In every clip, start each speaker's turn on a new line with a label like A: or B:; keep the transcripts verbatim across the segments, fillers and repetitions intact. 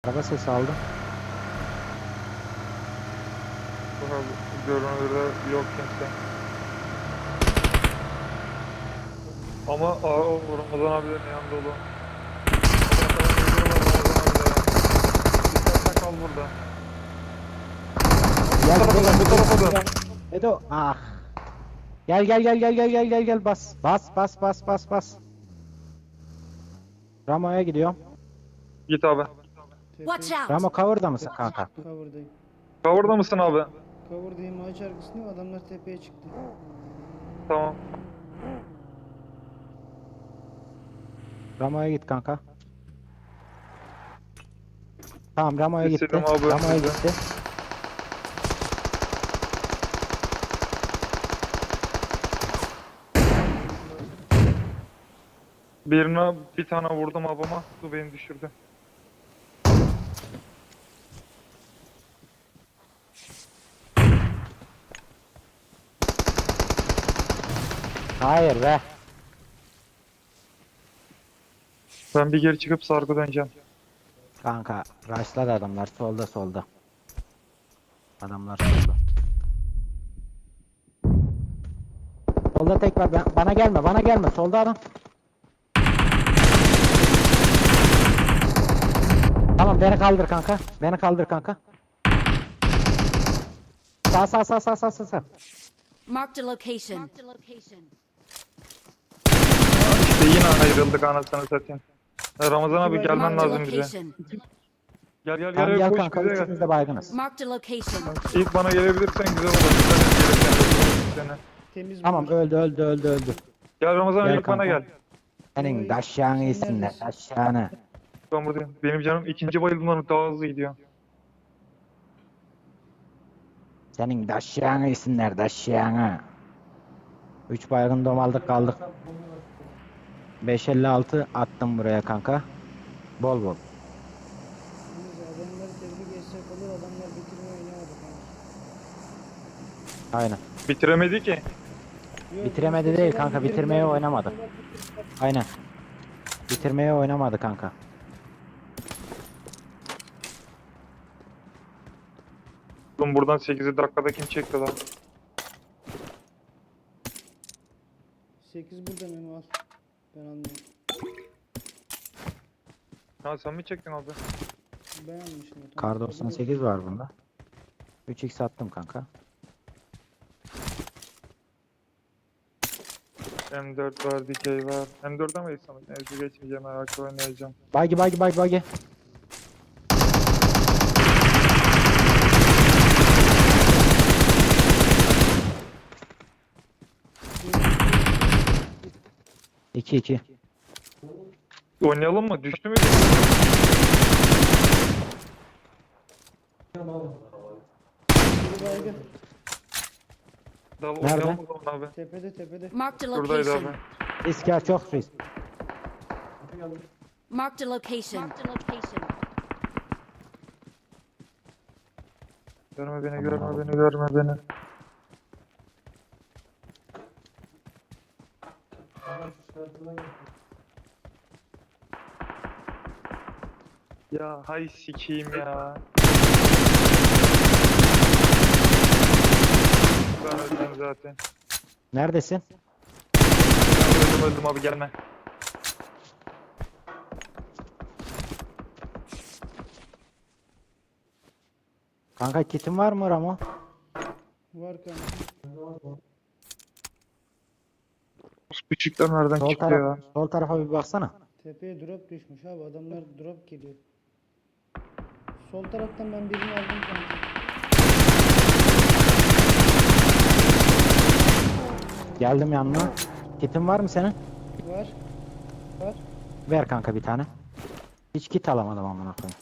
A: Araba sesi aldım.
B: Görünürde yok kimse. Ama aa, o Ramazan abilerin yanında olun. Dikkatli kal burada.
A: Gel
B: Bu tarafa dön, bu tarafa dön.
A: Edo. Ah. Gel gel gel gel gel gel gel gel bas. Bas bas bas bas bas. Ramo'ya gidiyorum.
B: Git abi.
C: Watch out!
A: Ramo cover'da mısın kanka?
D: Cover'dayım.
B: Cover'da mısın abi?
D: Cover'dayım. Ağaç arkasındayım. Adamlar tepeye çıktı.
B: Tamam.
A: Ramo'ya git kanka. Tamam Ramo'ya gitti.
B: İstedim abi,
A: Ramo'ya
B: önümüzde.
A: gitti.
B: Birine bir tane vurdum abama. Bu beni düşürdü.
A: Hayır be.
B: Ben bir geri çıkıp sargı döneceğim.
A: Kanka rushladı adamlar solda solda. Adamlar solda. Solda tek var. Ben, bana gelme bana gelme. Solda adam. Tamam beni kaldır kanka. Beni kaldır kanka. Sağ sağ sağ sağ sağ sağ. sağ.
C: Marked a location.
B: İşte yine ayrıldık anasını satayım. Ya Ramazan abi gelmen
C: Marked a
B: lazım bize.
C: location.
B: Gel gel
A: Tamam
B: gel,
A: gel
B: koş
A: kanka.
B: bize
A: Üçümüz
B: gel.
A: de baygınız.
C: Marked a location.
B: İlk bana gelebilirsen güzel olur. Sen gelirken seni.
D: Temiz
A: Tamam
D: bunlar.
A: öldü öldü öldü öldü.
B: Gel Ramazan abi
A: Gel
B: ilk bana
A: kanka.
B: gel.
A: Senin daşyağını
D: Sen
A: yesinler
D: neredesin?
A: daşyağını.
B: Ben buradayım. Benim canım ikinci bayılımdan daha hızlı gidiyor.
A: Senin daşyağını yesinler daşyağını. Üç baygın domaldık kaldık. beş elli altı attım buraya kanka. Bol bol.
D: Temiz. Adamlar tebrik geçsek olur. Adamlar bitirme oynamadı kanka.
A: Aynen.
B: Bitiremedi ki.
D: Yok,
A: Bitiremedi
D: biz
A: değil
D: mesela
A: kanka,
D: bitirdiler,
A: bitirmeye oynamadı.
D: bitirdiler.
A: Aynen. Bitirmeye oynamadı kanka.
B: Oğlum buradan sekiz dakikada kim çekti lan?
D: sekiz burada Memo al. Ben anlıyorum.
B: Ha sen mi çektin abi?
D: Ben almışım. o,
A: Kar
D: tamam.
A: doksan sekiz var bunda. üç x attım kanka.
B: M dört var, dikey var. M dört'e mi geçsem? Neyse geçmeyeceğim, ayakta oynayacağım.
A: Bagi bagi bagi bagi. iki iki.
B: Oynayalım mı? Düştü mü?
D: Biri baygın.
B: Dal
A: Nerede?
B: oynayalım o zaman abi.
D: Tepede tepede.
C: Marked a
B: Şuradaydı abi.
C: location.
A: Risk ya çok risk.
C: Marked a location.
B: Görme beni, görme beni, görme beni. Ya hay sikeyim ya. Ben öldüm zaten.
A: Neredesin?
B: Ben öldüm öldüm abi gelme.
A: Kanka kitin var mı Ramo?
D: Var kanka.
B: Küçükler nereden
A: Sol,
B: çıktı
A: taraf,
B: ya?
A: sol tarafa bir baksana.
D: Tepeye drop düşmüş abi. Adamlar drop geliyor. Sol taraftan ben birini aldım kanka.
A: Geldim yanına. Kitin var mı senin?
D: Var. Var.
A: Ver kanka bir tane. Hiç kit alamadım amına koyayım.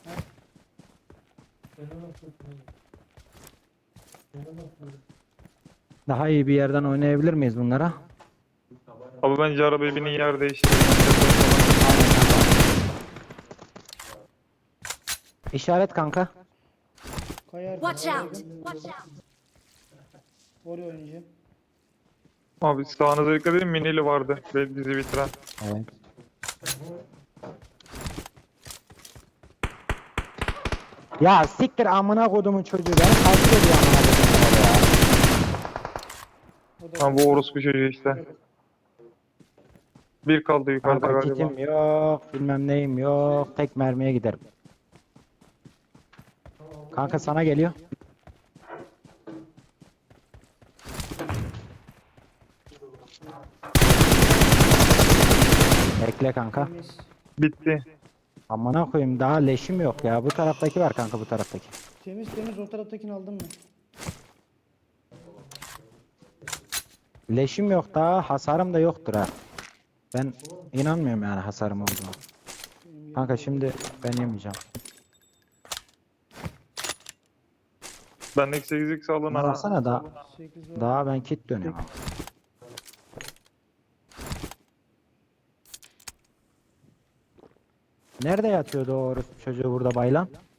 A: Daha iyi bir yerden oynayabilir miyiz bunlara?
B: Abi bence arabayı binin yer değiştirelim.
A: İşaret kanka.
D: Kayar.
C: Watch out!
D: Oraya oynayacağım.
B: Abi sağınıza dikkat edin, minili vardı. Ve bizi bitiren.
A: Evet. Ya siktir amına kodumun çocuğu beni takip ediyor amına kodumun ya.
D: O da
B: Ha bu orospu çocuğu işte. Bir kaldı yukarıda
A: Kanka
B: galiba.
A: kitim yok, bilmem neyim yok. Tek mermiye giderim. Kanka sana geliyor. Bekle kanka.
D: temiz.
B: Bitti.
A: Amına koyayım daha leşim yok ya. Bu taraftaki var kanka bu taraftaki.
D: Temiz temiz o taraftakini aldın mı?
A: Leşim yok daha, hasarım da yoktur ha. Ben inanmıyorum yani hasarım olduğuna. Kanka şimdi ben yemeyeceğim.
B: Bendeki sekiz x alın
A: Bana
B: ha.
A: baksana daha,
D: sekiz var.
A: daha ben kit dönüyorum. Nerede yatıyordu o orospu çocuğu burada baylan?